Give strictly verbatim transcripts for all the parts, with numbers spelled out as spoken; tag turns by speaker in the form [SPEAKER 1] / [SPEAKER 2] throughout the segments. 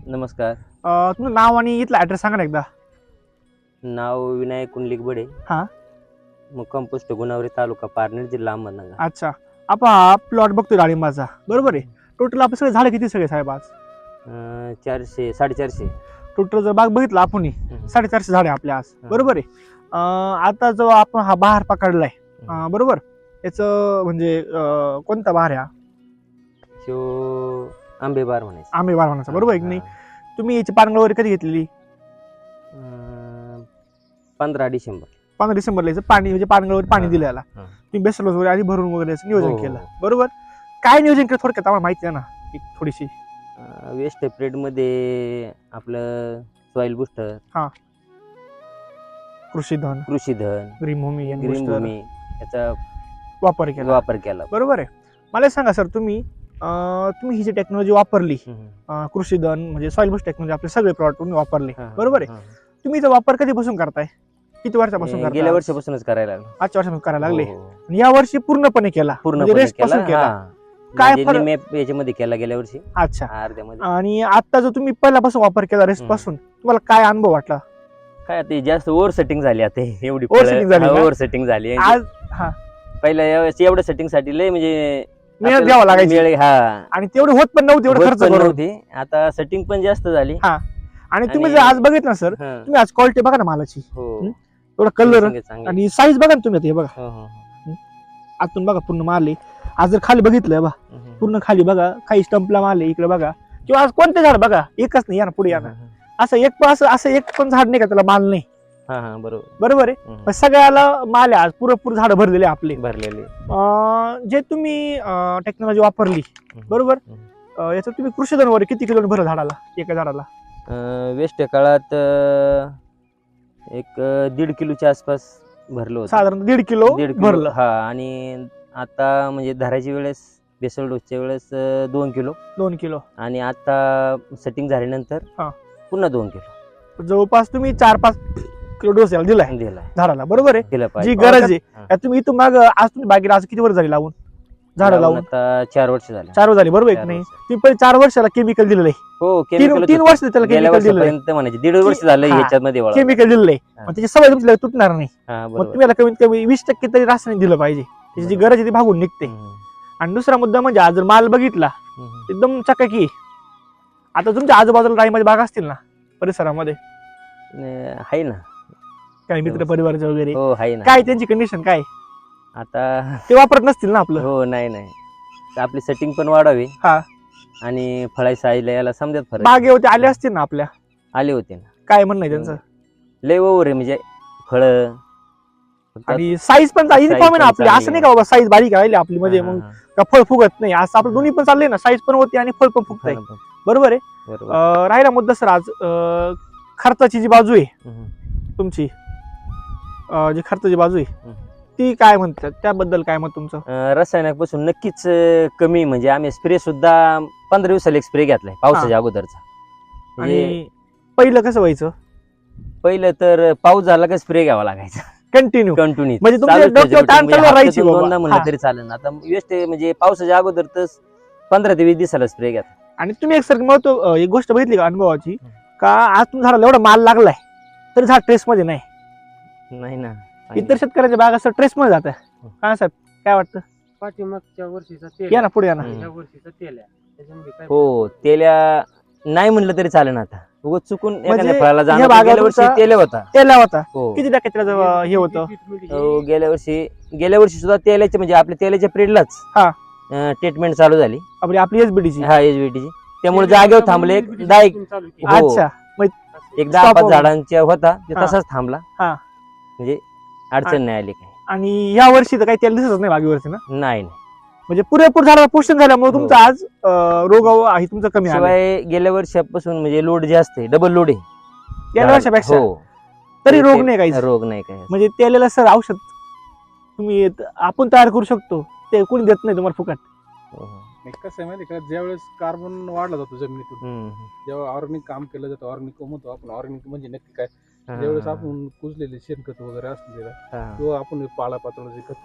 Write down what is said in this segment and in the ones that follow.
[SPEAKER 1] नमस्कार.
[SPEAKER 2] अ, तुमचं नाव आणि इथला ऍड्रेस सांगा ना एकदा.
[SPEAKER 1] नाव विनायक कुंडलिक बडे.
[SPEAKER 2] हा.
[SPEAKER 1] मुक्काम पोस्ट गुणावरी, तालुका पारनेर, जिल्हा अहमदनगर.
[SPEAKER 2] अच्छा, आपण हा प्लॉट बघतोय डाळिंबाचा, बरोबर आहे. टोटल आपले सगळे झाडं किती सगळे साहेब आज?
[SPEAKER 1] अं, चारशे साडेचारशे.
[SPEAKER 2] टोटल जर बाग बघितला आपण
[SPEAKER 1] हम्म.
[SPEAKER 2] साडेचारशे झाडे आपल्या आज,
[SPEAKER 1] हा.
[SPEAKER 2] बरोबर आहे. अं, आता जो आपण हा बहार पकडलाय, अं, बरोबर, याचं म्हणजे अं, कोणता बहार आहे हा?
[SPEAKER 1] शिव आंबे बार म्हणायचं.
[SPEAKER 2] आंबे बहार म्हणायचा, बरोबर आहे की नाही?
[SPEAKER 1] हा.
[SPEAKER 2] तुम्ही याची पानगळ वगैरे कधी घेतलेली?
[SPEAKER 1] अं, पंधरा डिसेंबर.
[SPEAKER 2] पंधरा डिसेंबरला याचं पाणी म्हणजे पानगळ वगैरे पाणी
[SPEAKER 1] हा,
[SPEAKER 2] दिलं याला.
[SPEAKER 1] हा.
[SPEAKER 2] तुम्ही बेसल वगैरे आधी भरून वगैरे याचं नियोजन
[SPEAKER 1] हो,
[SPEAKER 2] केलं,
[SPEAKER 1] हो.
[SPEAKER 2] बरोबर. काय नियोजन केलं थोडक्यात आम्हाला माहिती आहे ना एक थोडीशी.
[SPEAKER 1] अं, वेस्ट पिरियड मध्ये आपलं सॉइल बुस्टर,
[SPEAKER 2] कृषीधन,
[SPEAKER 1] कृषीधन,
[SPEAKER 2] ग्रीनभूमी,
[SPEAKER 1] ग्रीन
[SPEAKER 2] एनबूस्टर
[SPEAKER 1] भूमी याचा
[SPEAKER 2] वापर केला,
[SPEAKER 1] वापर केला.
[SPEAKER 2] बरोबर आहे. मला सांगा सर, तुम्ही अं, तुम्ही ही जी टेक्नॉलॉजी वापरली,
[SPEAKER 1] हम्म.
[SPEAKER 2] अं, कृषीधन म्हणजे सॉइल बुस्ट टेक्नॉलॉजी, आपले सगळे प्रॉडक्ट तुम्ही वापरले,
[SPEAKER 1] हा, हा,
[SPEAKER 2] बरोबर आहे.
[SPEAKER 1] हा.
[SPEAKER 2] तुम्ही इथं वापर कधीपासून करताय? किती वर्षापासून
[SPEAKER 1] हे
[SPEAKER 2] करताय?
[SPEAKER 1] गेल्या
[SPEAKER 2] आज?
[SPEAKER 1] वर्षापासूनच करायला लागलो.
[SPEAKER 2] आजच्या वर्षापासून करायला लागले.
[SPEAKER 1] हो, हो.
[SPEAKER 2] आणि या वर्षी पूर्णपणे केला, म्हणजे
[SPEAKER 1] पूर्णपणे
[SPEAKER 2] रेस्ट
[SPEAKER 1] केला.
[SPEAKER 2] पासून केला.
[SPEAKER 1] हा.
[SPEAKER 2] काय
[SPEAKER 1] म्हणजे
[SPEAKER 2] फरक?
[SPEAKER 1] निम्मे याच्यामध्ये केला गेल्या वर्षी,
[SPEAKER 2] अच्छा.
[SPEAKER 1] अर्ध्यामध्ये.
[SPEAKER 2] आणि आता जो तुम्ही पहिल्यापासून वापर केला रेस्ट
[SPEAKER 1] हम्म.
[SPEAKER 2] पासून, तुम्हाला काय अनुभव वाटला?
[SPEAKER 1] काय ते जास्त ओव्हर सेटिंग झाली आता हे, एवढी
[SPEAKER 2] Over setting झाली का?
[SPEAKER 1] ओव्हर सेटिंग झाली.
[SPEAKER 2] आज हा
[SPEAKER 1] पहिल्या यावेळेस एवढ्या सेटिंग साठी लय म्हणजे
[SPEAKER 2] मेहनत
[SPEAKER 1] आपल्याला
[SPEAKER 2] घ्यावं लागायची,
[SPEAKER 1] वेळ- हा
[SPEAKER 2] आणि तेवढी होत पण नव्हती एवढं
[SPEAKER 1] होत
[SPEAKER 2] खर्च
[SPEAKER 1] पण
[SPEAKER 2] करून.
[SPEAKER 1] नव्हती. आता सेटिंग पण जास्त झाली.
[SPEAKER 2] हा. आणि तुम्ही
[SPEAKER 1] आणि-
[SPEAKER 2] जर आज बघितलं ना सर,
[SPEAKER 1] हा.
[SPEAKER 2] तुम्ही आज क्वालिटी बघा ना मालाची,
[SPEAKER 1] हो.
[SPEAKER 2] हम्म? एवढा कलर
[SPEAKER 1] Finishing आहे चांगली.
[SPEAKER 2] आणि साईज बघा ना तुम्ही आता, हे बघा
[SPEAKER 1] हो, हो, हो.
[SPEAKER 2] आतून बघा पूर्ण माल आहे. आज जर खाली बघितलं बघा,
[SPEAKER 1] हम्म.
[SPEAKER 2] पूर्ण खाली बघा, काही स्टंपला माल आहे, इकडे बघा, किंवा आज कोणते झाड बघा, एकच नाही, या ना पुढे या ना,
[SPEAKER 1] हा,
[SPEAKER 2] असं एक पण असं असं एक पण झाड नाही का त्याला माल नाही,
[SPEAKER 1] हा, हा, बरोबर.
[SPEAKER 2] बरोबर आहे.
[SPEAKER 1] हम्म.
[SPEAKER 2] पण सगळ्याला माल आहे आज, पुरेपूर झाडं भरलेले आपले.
[SPEAKER 1] भरलेली.
[SPEAKER 2] अं, जे तुम्ही टेक्नॉलॉजी वापरली,
[SPEAKER 1] हम्म.
[SPEAKER 2] बरोबर,
[SPEAKER 1] हम्म.
[SPEAKER 2] अं, याचं तुम्ही कृषीधन वगैरे किती किलो भरलं झाडाला, एका झाडाला?
[SPEAKER 1] अं, वेस्ट काळात अं, एक अं, दीड किलोच्या आसपास भरलं होतं.
[SPEAKER 2] साधारण दीड किलो
[SPEAKER 1] दीड किलो.
[SPEAKER 2] भरलं.
[SPEAKER 1] हा. आणि आता म्हणजे धरायची वेळेस, बेसल डोसच्या वेळेस अं, दोन किलो.
[SPEAKER 2] दोन किलो.
[SPEAKER 1] आणि आता सेटिंग झाल्यानंतर
[SPEAKER 2] हा.
[SPEAKER 1] पुन्हा दोन किलो
[SPEAKER 2] जवळपास तुम्ही चार पाच किलो डोस याला दिलाय
[SPEAKER 1] दिलाय.
[SPEAKER 2] झाडाला, बरोबर आहे.
[SPEAKER 1] दिला
[SPEAKER 2] जी
[SPEAKER 1] पाहिजे.
[SPEAKER 2] गरज आहे.
[SPEAKER 1] हा.
[SPEAKER 2] आता तुम्ही इथून माग आज तुम्ही बागेला आज किती वर्ष झाली लावून, झाडं
[SPEAKER 1] लावून
[SPEAKER 2] लावून?
[SPEAKER 1] आता चार वर्ष झाले.
[SPEAKER 2] चार वर्ष झाली, बरोबर आहे
[SPEAKER 1] चार
[SPEAKER 2] की नाही?
[SPEAKER 1] वर्ष.
[SPEAKER 2] तुम्ही पहिले चार वर्षाला केमिकल दिलेलं आहे,
[SPEAKER 1] हो.
[SPEAKER 2] तीन
[SPEAKER 1] केमिकल
[SPEAKER 2] तीन वर्ष त्याला
[SPEAKER 1] गेल्या
[SPEAKER 2] केमिकल दिलेलं आहे,
[SPEAKER 1] वर्षापर्यंत म्हणायचे दीड वर्ष झालं
[SPEAKER 2] हा.
[SPEAKER 1] ह्याच्यामध्ये वळाला.
[SPEAKER 2] केमिकल दिलेलं आहे.
[SPEAKER 1] हा.
[SPEAKER 2] मग त्याची सवय तुमची तुटणार नाही.
[SPEAKER 1] हा,
[SPEAKER 2] मग
[SPEAKER 1] बरोबर.
[SPEAKER 2] तुम्ही याला कमीत कमी वीस टक्के तरी रासायनिक दिलं पाहिजे, त्याची जी
[SPEAKER 1] बरोबर.
[SPEAKER 2] गरज आहे ती भागून निघते.
[SPEAKER 1] हम्म.
[SPEAKER 2] आणि दुसरा मुद्दा म्हणजे आज जर माल बघितला
[SPEAKER 1] हम्म.
[SPEAKER 2] एकदम चकाकी आहे. आता तुमच्या आजूबाजूला डाळिंबाची बाग असतील ना परिसरामध्ये,
[SPEAKER 1] अं, आहे ना.
[SPEAKER 2] काही मित्र परिवाराचे वगैरे,
[SPEAKER 1] हो, आहे ना.
[SPEAKER 2] काय त्यांची कंडिशन काय?
[SPEAKER 1] आता
[SPEAKER 2] ते वापरत नसतील ना आपलं.
[SPEAKER 1] हो. नाही नाही तर आपली सेटिंग पण वाढावी.
[SPEAKER 2] हा.
[SPEAKER 1] आणि फळाई साईला याला समजत फरक.
[SPEAKER 2] बागेवरती आले असतील ना आपल्या,
[SPEAKER 1] आले होते ना.
[SPEAKER 2] काय म्हणणं आहे त्यांचं?
[SPEAKER 1] लय ओव्हर आहे म्हणजे फळ.
[SPEAKER 2] आणि साईज पण
[SPEAKER 1] size
[SPEAKER 2] युनिफॉर्म आहे ना
[SPEAKER 1] पण
[SPEAKER 2] आपली,
[SPEAKER 1] चांगली
[SPEAKER 2] असं नाही
[SPEAKER 1] आहे.
[SPEAKER 2] का बाबा साईज बारीक राहिली आपली म्हणजे मग का फळ फुगत नाही, असं आपलं दोन्ही पण चाललंय ना, साईज पण होती आणि फळ पण फुगत आहे, बरोबर आहे.
[SPEAKER 1] बरोबर.
[SPEAKER 2] अं, राहिला मुद्दा सर आज अं, खर्चाची जी बाजू आहे
[SPEAKER 1] हम्म.
[SPEAKER 2] तुमची, अं, जी खर्चाची बाजू आहे
[SPEAKER 1] हम्म.
[SPEAKER 2] ती काय म्हणतात, त्याबद्दल काय मत तुमचं?
[SPEAKER 1] अं, रसायनापासून नक्कीच अं, कमी. म्हणजे आम्ही स्प्रे सुद्धा पंधरा दिवसाला एक स्प्रे घेतलाय पावसाच्या अगोदरचा. म्हणजे
[SPEAKER 2] आणि पहिलं कसं व्हायचं?
[SPEAKER 1] पहिलं तर पाऊस झाला का स्प्रे घ्यावा लागायचा
[SPEAKER 2] कंटिन्यू,
[SPEAKER 1] कंटिन्यू.
[SPEAKER 2] म्हणजे तुमच्या डोक्यावर ताण चालू राहायची बाबा.
[SPEAKER 1] दोनदा म्हणलं
[SPEAKER 2] हा.
[SPEAKER 1] तरी चालेल. आता वेस्ट म्हणजे पावसाच्या अगोदर तर पंधरा ते वीस दिवसाला स्प्रे घ्या.
[SPEAKER 2] आणि तुम्ही एक सर महत्व एक गोष्ट बघितली का अनुभवाची, का आज तुमच्या झाडाला एवढा माल लागलाय तरी झाड ट्रेस मध्ये नाही.
[SPEAKER 1] नाही ना.
[SPEAKER 2] इतर शेतकऱ्यांच्या बाग असं ट्रेस मध्ये जात आहे. काय साहेब काय वाटतं?
[SPEAKER 3] पाठीमागच्या वर्षीचा तेल
[SPEAKER 2] या ना पुढे या ना.
[SPEAKER 1] हम्म.
[SPEAKER 3] ह्या वर्षीचा तेल आहे. त्याच्यामध्ये काय
[SPEAKER 1] हो. तेल्या नाही म्हणलं तरी चालेल. आता उगाच चुकून एखाद्या
[SPEAKER 2] म्हणजे
[SPEAKER 1] फळाला
[SPEAKER 2] ह्या
[SPEAKER 1] जाणं.
[SPEAKER 2] बागा
[SPEAKER 1] गेल्या वर्षी
[SPEAKER 2] तुमचा-
[SPEAKER 1] तेल होता.
[SPEAKER 2] तेला होता
[SPEAKER 1] हो.
[SPEAKER 2] किती टक्के त्याचं हे होतं?
[SPEAKER 1] हो, गेल्या वर्षी गेल्या वर्षी सुद्धा तेलाचे म्हणजे आपल्या तेलाच्या पिरियडलाच
[SPEAKER 2] हा.
[SPEAKER 1] ट्रीटमेंट चालू झाली.
[SPEAKER 2] आपली आपली एसबीडीची.
[SPEAKER 1] हा, एचबीटीची. त्यामुळे जागेवर थांबले. एक दहा एक
[SPEAKER 3] चालू केली.
[SPEAKER 1] हो.
[SPEAKER 2] अच्छा. मग
[SPEAKER 1] एक दहा
[SPEAKER 2] Stop
[SPEAKER 1] पाच
[SPEAKER 2] over.
[SPEAKER 1] झाडांच्या होता ते
[SPEAKER 2] हा.
[SPEAKER 1] तसाच थांबला.
[SPEAKER 2] हा.
[SPEAKER 1] म्हणजे अडचण नाही आली काही.
[SPEAKER 2] आणि या वर्षी तर काही तेल दिसत नाही बागेवरती ना,
[SPEAKER 1] नाही नाही.
[SPEAKER 2] म्हणजे पुरेपूर झाडाला पोषण झाल्यामुळे
[SPEAKER 1] हो.
[SPEAKER 2] तुमचं आज अं, रोग आहे तुमचं कमी आलं
[SPEAKER 1] शिवाय गेल्या वर्षापासून म्हणजे लोड जास्त आहे. डबल लोड आहे
[SPEAKER 2] गेल्या वर्षापेक्षा,
[SPEAKER 1] हो.
[SPEAKER 2] तरी
[SPEAKER 1] ते-
[SPEAKER 2] रोग
[SPEAKER 1] ते-
[SPEAKER 2] नाही काही.
[SPEAKER 1] रोग नाही काही.
[SPEAKER 2] म्हणजे तेलाला सर औषध तुम्ही आपण तयार करू शकतो, ते कोणी देत नाही तुम्हाला फुकट.
[SPEAKER 1] हो, हो.
[SPEAKER 4] नाही, कसं आहे माहिती आहे का, ज्यावेळेस कार्बन वाढला जातो जमिनीतून,
[SPEAKER 1] हम्म.
[SPEAKER 4] जेव्हा ऑर्गॅनिक काम केलं जातं, ऑर्गॅनिक म्हणतो आपण. ऑर्गॅनिक म्हणजे नक्की काय?
[SPEAKER 1] हा,
[SPEAKER 4] ज्यावेळेस
[SPEAKER 1] हा,
[SPEAKER 4] आपण कुजलेले शेणखत वगैरे असलेलं
[SPEAKER 1] हा.
[SPEAKER 4] किंवा आपण पाला पाचोळ्याचे खते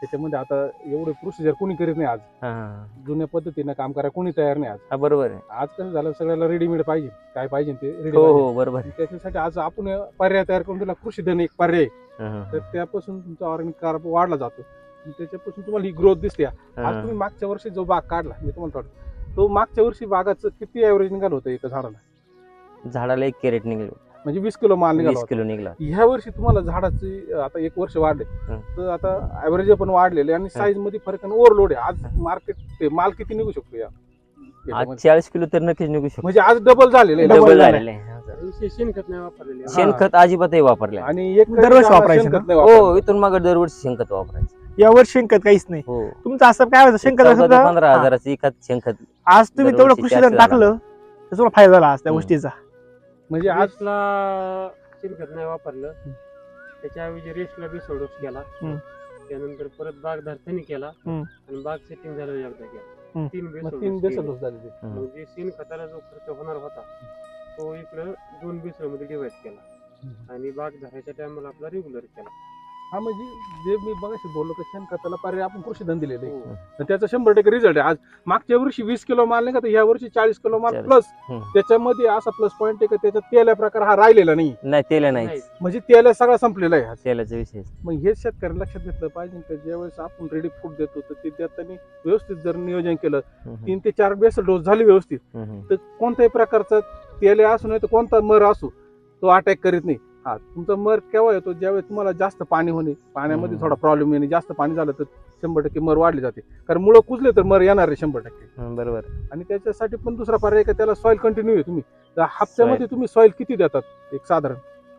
[SPEAKER 4] त्याच्यामध्ये आता एवढे प्रोसिजर कोणी करीत नाही आज.
[SPEAKER 1] हा, हा.
[SPEAKER 4] जुन्या पद्धतीनं काम करायला कोणी तयार नाही आज.
[SPEAKER 1] हा बरोबर आहे.
[SPEAKER 4] आज कसं झालं सगळ्याला रेडीमेड पाहिजे, काय पाहिजे ते रेडी
[SPEAKER 1] हो
[SPEAKER 4] पाहिजे.
[SPEAKER 1] हो बरोबर आहे.
[SPEAKER 4] त्याच्यासाठी आज आपण पर्याय तयार करून दिला, कृषी धन एक पर्याय.
[SPEAKER 1] हा, हा,
[SPEAKER 4] तर त्यापासून तुमचा ऑर्गॅनिक कार्ब वाढला जातो आणि त्याच्यापासून तुम्हाला ही ग्रोथ दिसते. आज
[SPEAKER 1] हा.
[SPEAKER 4] तुम्ही मागच्या वर्षी जो बाग काढला मी तुम्हाला थोडं, तो मागच्या वर्षी बागाचं किती ऍव्हरेज निघालं होतं एका झाडाला?
[SPEAKER 1] झाडाला एक कॅरेट निघलो,
[SPEAKER 4] म्हणजे वीस किलो माल निघाला
[SPEAKER 1] वीस
[SPEAKER 4] होता.
[SPEAKER 1] किलो निघला.
[SPEAKER 4] ह्या वर्षी तुम्हाला झाडाची आता एक वर्ष वाढले
[SPEAKER 1] हं.
[SPEAKER 4] तर आता ऍव्हरेज पण वाढलेले आणि साईज मध्ये फरक आणि ओव्हरलोड आहे. आज मार्केट माल किती निघू शकतो या
[SPEAKER 1] आज
[SPEAKER 4] याच्यामध्ये?
[SPEAKER 1] चाळीस किलो तर नक्कीच निघू शकतो.
[SPEAKER 4] म्हणजे आज डबल झालेलं आहे.
[SPEAKER 2] Double
[SPEAKER 1] डबल
[SPEAKER 2] झालंय.
[SPEAKER 1] झालेलं आहे. हा, सर.
[SPEAKER 3] विशेष शेणखत नाही वापरलेले.
[SPEAKER 4] हा.
[SPEAKER 1] शेणखत अजिबातही वापरले नाही.
[SPEAKER 4] आणि एक
[SPEAKER 2] दरवर्षी
[SPEAKER 4] आम्हाला
[SPEAKER 2] वापरायचं
[SPEAKER 4] शेणखत
[SPEAKER 2] ना?
[SPEAKER 4] नाही वापरायचं.
[SPEAKER 1] हो इथून मागे दरवर्षी शेणखत वापरायचं.
[SPEAKER 2] यावर शेणखत काहीच नाही.
[SPEAKER 1] हो
[SPEAKER 2] तुमचं असं काय होतं शेणखत
[SPEAKER 1] चौदा ते
[SPEAKER 2] असं
[SPEAKER 1] पंधरा
[SPEAKER 2] हा.
[SPEAKER 1] हजाराचं एखाद शेणखत.
[SPEAKER 2] आज तुम्ही तेवढं
[SPEAKER 1] दरवर्षी
[SPEAKER 2] कृषी
[SPEAKER 1] चारशे
[SPEAKER 2] धन
[SPEAKER 1] झाला.
[SPEAKER 2] टाकलं तर तुम्हाला फायदा झाला आज त्या
[SPEAKER 1] हम्म.
[SPEAKER 2] गोष्टीचा.
[SPEAKER 4] म्हणजे आज
[SPEAKER 3] रेसला शेणखत नाही वापरलं, त्याच्याऐवजी रेसला बेसल डोस केला.
[SPEAKER 2] हम्म.
[SPEAKER 3] त्यानंतर परत बाग धरतानी केला
[SPEAKER 2] हम्म.
[SPEAKER 3] आणि बाग सेटिंग झालं एकदा केला.
[SPEAKER 2] हम्म.
[SPEAKER 3] तीन
[SPEAKER 4] मग
[SPEAKER 3] बेसल
[SPEAKER 4] तीन
[SPEAKER 3] डोस
[SPEAKER 4] बेसल
[SPEAKER 3] केले.
[SPEAKER 4] डोस झाले ते.
[SPEAKER 1] हम्म.
[SPEAKER 3] मग जे शेणखताला जो खर्च होणार होता तो इकडं दोन बेसल मध्ये डिवाइड केला
[SPEAKER 4] हम्म.
[SPEAKER 3] आणि बाग धरायच्या टायमाला आपला रेग्युलर केला.
[SPEAKER 4] हा म्हणजे जे मी बघायचं बोललो की शेणखताला पर्याय आपण कृषी धन दिलेले आहे.
[SPEAKER 3] हो.
[SPEAKER 4] तर त्याचा शंभर टक्के रिझल्ट आहे. आज मागच्या वर्षी वीस किलो माल नाही का, तर ह्या वर्षी चाळीस किलो माल
[SPEAKER 1] चाळीस.
[SPEAKER 4] प्लस.
[SPEAKER 1] हम्म.
[SPEAKER 4] त्याच्यामध्ये असा प्लस पॉईंट आहे की त्याच्यात तेल्या प्रकार हा राहिलेला नाही.
[SPEAKER 1] नाही तेल नाही
[SPEAKER 3] नाही.
[SPEAKER 4] म्हणजे तेल्या सगळा संपलेला आहे आज.
[SPEAKER 1] तेलाचा विषय.
[SPEAKER 4] मग हे शेतकऱ्यांना लक्षात घेतलं पाहिजे की ज्यावेळेस आपण रेडी फूड देतो तर ते देताना व्यवस्थित जर नियोजन केलं, तीन ते चार बेसल डोस झाली व्यवस्थित, तर कोणत्याही प्रकारचा तेल असू नाही तर कोणता मर असू तो अटॅक करीत नाही. हा तुमचा मर केव्हा येतो ज्यावेळेस तुम्हाला जास्त पाणी होणे, पाण्यामध्ये
[SPEAKER 1] हम्म.
[SPEAKER 4] थोडा प्रॉब्लेम येणे, जास्त पाणी झालं तर शंभर टक्के मर वाढली जाते. कारण मुळं कुजले तर मर येणार आहे शंभर टक्के.
[SPEAKER 1] बरोबर.
[SPEAKER 4] आणि त्याच्यासाठी पण दुसरा पर्याय का त्याला सॉइल कंटिन्यू आहे. तुम्ही तर हप्त्यामध्ये तुम्ही सॉइल किती देतात एक साधारण?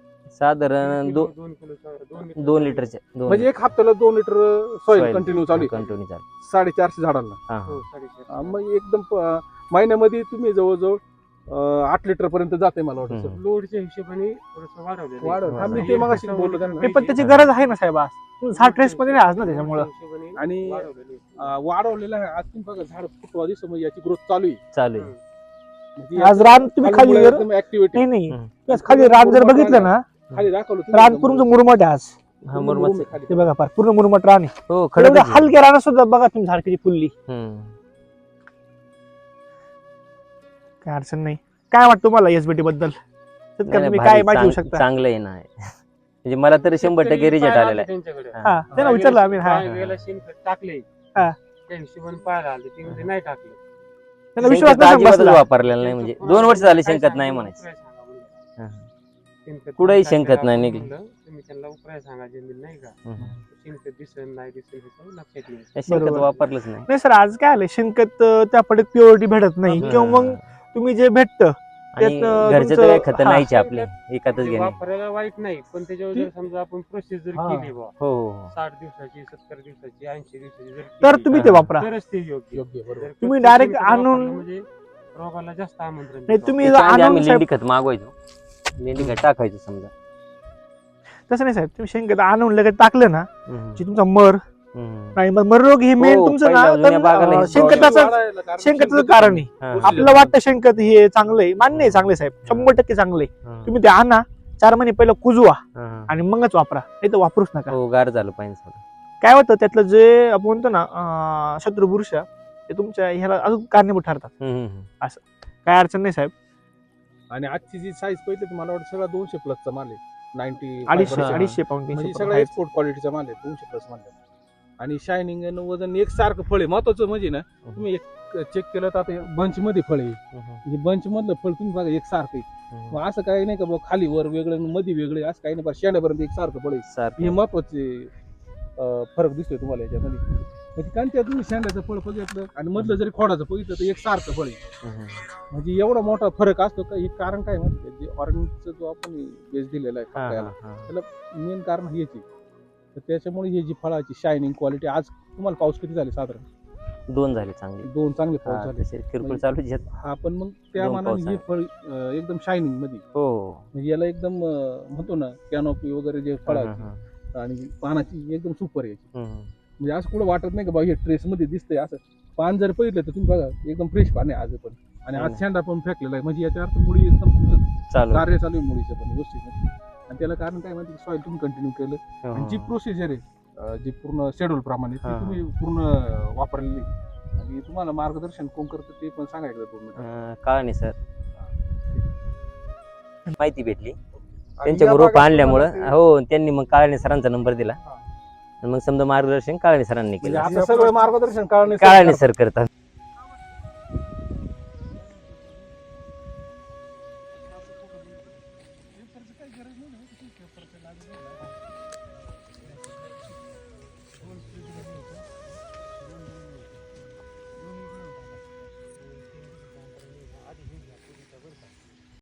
[SPEAKER 1] साधारण
[SPEAKER 3] किलो,
[SPEAKER 1] दो-
[SPEAKER 3] दोन किलो सा- दोन लिटर
[SPEAKER 1] दोन लिटरचे
[SPEAKER 4] म्हणजे एक हप्त्याला दोन लिटर सॉइल कंटिन्यू चालू आहे
[SPEAKER 1] कंटिन्यू चालू.
[SPEAKER 4] साडेचारशे झाडांना.
[SPEAKER 1] हा
[SPEAKER 3] हो,
[SPEAKER 1] हा.
[SPEAKER 3] साडेचारशे.
[SPEAKER 4] हा, मग एकदम प- महिन्यामध्ये तुम्ही जवळजवळ अं, आठ लिटर पर्यंत जाते मला वाटतं
[SPEAKER 1] हम्म.
[SPEAKER 4] सर.
[SPEAKER 3] लोडच्या हिशोबाने थोडंसं वाढवलेलं आहे.
[SPEAKER 4] वाढव. हा, मी
[SPEAKER 1] हा.
[SPEAKER 4] ते मगाशी बोललो त्यांना.
[SPEAKER 2] नाही, पण त्याची गरज आहे ना साहेब आज. तुम्ही झाड ट्रेस मध्ये नाही आज ना त्याच्यामुळं.
[SPEAKER 3] हिशोबाने
[SPEAKER 4] आणि
[SPEAKER 3] वाढवलेलं आहे.
[SPEAKER 4] अं, वाढवलेलं आहे. आज तुम्ही बघा झाड फुटवा दिसतं म्हणजे याची ग्रोथ चालू आहे.
[SPEAKER 1] चालू आहे.
[SPEAKER 3] हम्म.
[SPEAKER 4] म्हणजे
[SPEAKER 2] आज
[SPEAKER 4] याचं
[SPEAKER 2] रान तुम्ही खाली
[SPEAKER 4] मुळं
[SPEAKER 2] जर
[SPEAKER 4] एकदम ऍक्टिव्हिटी
[SPEAKER 2] नाही नाही
[SPEAKER 1] हम्म.
[SPEAKER 2] बस खाली रान जर बघितलं ना,
[SPEAKER 4] खाली दाखवलं तुम्ही
[SPEAKER 2] रान
[SPEAKER 4] एकदम
[SPEAKER 2] पूर्ण मुरमट आहे आज.
[SPEAKER 1] हा
[SPEAKER 4] पूर्ण
[SPEAKER 1] मुरमाड.
[SPEAKER 4] मुरुम आहे खाली.
[SPEAKER 2] ते बघा फार पूर्ण मुरमट रान आहे.
[SPEAKER 1] हो
[SPEAKER 2] एवढं
[SPEAKER 1] खडक
[SPEAKER 2] हलक्या रानात सुद्धा बघा तुम्ही झाड किती फुलली. काय अडचण नाही. काय वाटतं तुम्हाला एसबीटी बद्दल? शेतकरी तुम्ही काय माहिती घेऊ शकता?
[SPEAKER 1] चांगलं आहे ना. म्हणजे मला तर शंभर टक्के
[SPEAKER 3] शेतकरी
[SPEAKER 1] रिझल्ट
[SPEAKER 3] पाहायला
[SPEAKER 1] आलेला
[SPEAKER 3] आले
[SPEAKER 1] आहे.
[SPEAKER 3] त्यांच्याकडे.
[SPEAKER 1] हा.
[SPEAKER 2] हा त्याला विचारलं आम्ही. हा
[SPEAKER 3] काही वेळेला शेणखत टाकले
[SPEAKER 2] हा.
[SPEAKER 3] त्या हिशोबाने पाहायला आले, ते म्हणजे नाही टाकले.
[SPEAKER 2] त्याला विश्वास
[SPEAKER 1] शेणखत
[SPEAKER 2] नसेल
[SPEAKER 1] अजिबातच
[SPEAKER 2] बसला.
[SPEAKER 1] वापरलेलं नाही. म्हणजे दोन वर्ष झाले शेणखत नाही म्हणायचं. हा. कुठंही शेणखत नाही निघले.
[SPEAKER 3] तुम्ही त्यांना उपाय सांगा जमीन नाही का,
[SPEAKER 1] हम्म.
[SPEAKER 3] शेणखत दिसन नाही दिसन हे लक्षात येईल.
[SPEAKER 1] शेणखत
[SPEAKER 2] बरोबर.
[SPEAKER 1] वापरलंच नाही.
[SPEAKER 2] नाही सर आज काय आलंय शेणखत अं, त्या पडत प्युरिटी भेटत नाही
[SPEAKER 3] हा.
[SPEAKER 2] किंवा मग तुम्ही जे भेटतं
[SPEAKER 1] आणि
[SPEAKER 2] त्यात, अं,
[SPEAKER 1] घरचे तर
[SPEAKER 2] तुमचं-
[SPEAKER 1] काही खत
[SPEAKER 2] हा.
[SPEAKER 1] नाहीचे आपले एकातच
[SPEAKER 3] म्हणजे
[SPEAKER 1] घेणे.
[SPEAKER 3] वापरायला वाईट नाही, पण त्याच्यावर जर समजा आपण प्रोसेस जर
[SPEAKER 4] हा.
[SPEAKER 3] केली बा
[SPEAKER 1] हो हो हो.
[SPEAKER 3] साठ दिवसाची, सत्तर दिवसाची, ऐंशी दिवसाची जर
[SPEAKER 2] तर
[SPEAKER 3] केली,
[SPEAKER 2] तुम्ही ते वापरा.
[SPEAKER 3] तरच ते योग्य.
[SPEAKER 4] योग्य बरोबर.
[SPEAKER 3] जर
[SPEAKER 2] तुम्ही
[SPEAKER 3] कच्चं
[SPEAKER 2] direct
[SPEAKER 3] शेणखत
[SPEAKER 2] आणून-
[SPEAKER 3] वापरलं म्हणजे रोगाला जास्त आमंत्रण
[SPEAKER 2] नाही
[SPEAKER 3] देतो.
[SPEAKER 2] तुम्ही
[SPEAKER 1] त्याच्या आधी
[SPEAKER 2] आणून
[SPEAKER 1] आम्ही
[SPEAKER 2] साहेब
[SPEAKER 1] लेंडी खत मागवायचो. लेंडी खत टाकायचो समजा.
[SPEAKER 2] तसं नाही साहेब, तुम्ही शेणखत आणून लगेच टाकलं ना
[SPEAKER 1] हम्म.
[SPEAKER 2] जे तुमचा मर
[SPEAKER 1] हम्म.
[SPEAKER 2] नाही मग मर रोग हे मेन
[SPEAKER 1] हो,
[SPEAKER 2] तुमचं
[SPEAKER 1] पहिला
[SPEAKER 2] ना
[SPEAKER 1] जुन्या
[SPEAKER 2] तर,
[SPEAKER 1] बागाला
[SPEAKER 2] अं,
[SPEAKER 1] हे
[SPEAKER 2] शेणखताचं
[SPEAKER 4] वाढायला कारण
[SPEAKER 2] शेणखताचं
[SPEAKER 4] शेणखत-
[SPEAKER 2] कारण आहे.
[SPEAKER 1] हा.
[SPEAKER 4] गोष्टी-
[SPEAKER 2] आपल्याला वाटतं शेणखत हे चांगलं आहे, मान्य आहे चांगले साहेब, शंभर टक्के चांगले.
[SPEAKER 1] हा.
[SPEAKER 2] तुम्ही ते आणा, चार महिने पहिलं कुजवा
[SPEAKER 1] हा.
[SPEAKER 2] आणि मगच वापरा, नाही तर वापरूच नका.
[SPEAKER 1] हो गार झालं पाहिजे थोडं.
[SPEAKER 2] काय होतं त्यातलं जे आपण म्हणतो ना अं, शत्रू बुरशा ते तुमच्या ह्याला अजून कारणीभूत ठरतात.
[SPEAKER 1] हम्म, हम्म.
[SPEAKER 2] काय अडचण नाही साहेब.
[SPEAKER 4] आणि आजची जी साईज पहिली तर मला वाटतं सगळा दोनशे प्लसचा माल आहे. नाईन्टी
[SPEAKER 2] अडीचशे
[SPEAKER 1] हा.
[SPEAKER 2] अडीचशे पाऊंड
[SPEAKER 4] म्हणजे
[SPEAKER 2] तीनशे
[SPEAKER 4] सगळा
[SPEAKER 2] पाऊंड
[SPEAKER 4] एक्सपोर्ट क्वालिटीचा माल आहे दोनशे प्लस माल आहे. आणि शायनिंग आणि वजन एक सारखं फळ आहे. महत्वाचं म्हणजे ना तुम्ही एक चेक केलं तर आता बंच मध्ये फळ आहे.
[SPEAKER 1] हम्म,
[SPEAKER 4] बंच मधलं फळ तुम्ही बघा एक सारखं आहे.
[SPEAKER 1] हम्म.
[SPEAKER 4] मग असं काही नाही का बाबा खाली वर वेगळं आणि मध्ये वेगळे असं काही नाही. बरं शेंड्यापर्यंत एक सारखं फळ आहे.
[SPEAKER 1] सारखं.
[SPEAKER 4] हे महत्वाचे अं, फरक दिसतोय तुम्हाला याच्यामध्ये. म्हणजे कारण त्या तुम्ही शेंड्याचं फळ बघितलं आणि मधलं जरी खोडाचं बघितलं तर एक सारखं फळ आहे.
[SPEAKER 1] हम्म.
[SPEAKER 4] म्हणजे एवढा मोठा फरक असतो का हे कारण काय माहिती आहे? जे ऑर्गॅनिकचा जो आपण बेस दिलेला आहे
[SPEAKER 1] हा,
[SPEAKER 4] खायला,
[SPEAKER 1] हा, हा.
[SPEAKER 4] मेन कारण हेच आहे. तर त्याच्यामुळे ही जी फळाची शायनिंग क्वालिटी, आज तुम्हाला पाऊस किती झाले साधारण
[SPEAKER 1] दोन झाले चांगले.
[SPEAKER 4] दोन चांगले पाऊस
[SPEAKER 1] हा,
[SPEAKER 4] झाले.
[SPEAKER 1] तसे किरकोळ चालूच आहेत.
[SPEAKER 4] हा पण मग त्या
[SPEAKER 1] दोन
[SPEAKER 4] मानाने
[SPEAKER 1] पाऊस
[SPEAKER 4] हे
[SPEAKER 1] आहे.
[SPEAKER 4] फळ अं, एकदम शायनिंग मध्ये
[SPEAKER 1] हो.
[SPEAKER 4] म्हणजे याला एकदम अं, म्हणतो ना कॅनोपी वगैरे जे
[SPEAKER 1] हा,
[SPEAKER 4] फळाची
[SPEAKER 1] हा.
[SPEAKER 4] आणि पानाची एकदम सुपर याची.
[SPEAKER 1] हम्म.
[SPEAKER 4] म्हणजे असं कुठं वाटत नाही का बाबा हे ट्रेस मध्ये दिसतंय असं. पान जर पहिलं तर तुम्ही बघा एकदम फ्रेश पान आहे आज पण. आणि
[SPEAKER 1] हो
[SPEAKER 4] आज
[SPEAKER 1] ना.
[SPEAKER 4] शेंडा पण फेकलेला आहे. म्हणजे याच्या अर्थ मुळी एकदम तुमचं
[SPEAKER 1] चालू.
[SPEAKER 4] कार्य चालू आहे मुळीचं पण व्यवस्थित. आणि त्याला कारण काय माहिती सॉइल तुम्ही कंटिन्यू केलं
[SPEAKER 1] हो.
[SPEAKER 4] आणि जी प्रोसिजर आहे अं, जी पूर्ण शेड्यूल प्रमाणे ती
[SPEAKER 1] हा.
[SPEAKER 4] तुम्ही पूर्ण वापरलेली आणि तुम्हाला मार्गदर्शन कोण करतं ते पण सांगा एकदा दोन मिनिटं.
[SPEAKER 1] अं, कळाणे सर माहिती भेटली
[SPEAKER 4] आणि
[SPEAKER 1] त्यांच्याकडून
[SPEAKER 4] या
[SPEAKER 1] रोप
[SPEAKER 4] भागात
[SPEAKER 1] आणल्यामुळं
[SPEAKER 4] तुम्हाला ते-
[SPEAKER 1] हो त्यांनी मग काळाणे सरांचा नंबर दिला
[SPEAKER 4] हा.
[SPEAKER 1] आणि मग समजा मार्गदर्शन काळाणे सरांनी
[SPEAKER 4] म्हणजे
[SPEAKER 1] केलं
[SPEAKER 4] आता सगळं मार्गदर्शन काळाने
[SPEAKER 1] काळाणे सर करतात